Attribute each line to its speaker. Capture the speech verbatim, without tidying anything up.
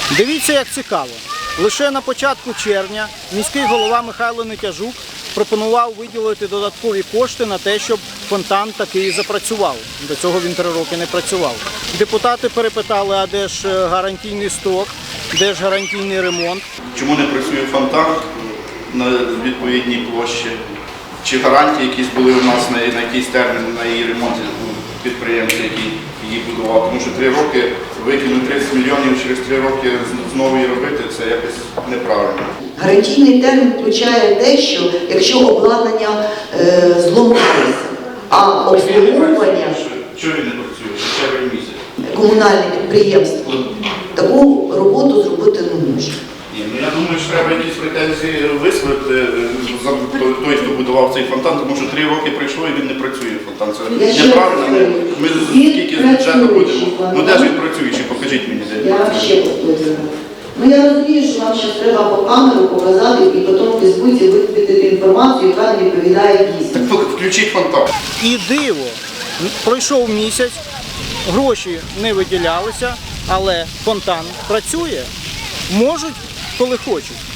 Speaker 1: Дивіться, як цікаво. Лише на початку червня міський голова Михайло Нетяжук пропонував виділити додаткові кошти на те, щоб фонтан таки запрацював. До цього він три роки не працював. Депутати перепитали, а де ж гарантійний строк, де ж гарантійний ремонт.
Speaker 2: Чому не працює фонтан на відповідній площі? Чи гарантії якісь були у нас на, на якийсь термін на її ремонт підприємця, який її будував? Тому що три роки викинути тридцять мільйонів через три роки знову її робити, це якось неправильно.
Speaker 3: Гарантійний термін включає те, що якщо обладнання е, зламалося, а обслуговування
Speaker 2: Чого він не працює? Червень місяць.
Speaker 3: Комунальне підприємство таку роботу зробити не може.
Speaker 2: Ні, ну я думаю, що треба якісь претензії висловити за той, хто будував цей фонтан, тому що три роки пройшло і він не працює, фонтан. Це неправильно. Ми скільки з бюджету будемо. Ну де ж він працюючий? Покажіть мені, де він
Speaker 3: Я
Speaker 2: працює.
Speaker 3: ще повторюю. Ну я розумію, що вам зараз треба по камеру показати і потім в Фейсбуці викупити інформацію, яка не відповідає дійсності.
Speaker 2: Так включіть фонтан.
Speaker 1: І диво, пройшов місяць, гроші не виділялися, але фонтан працює. Можуть, коли хочуть.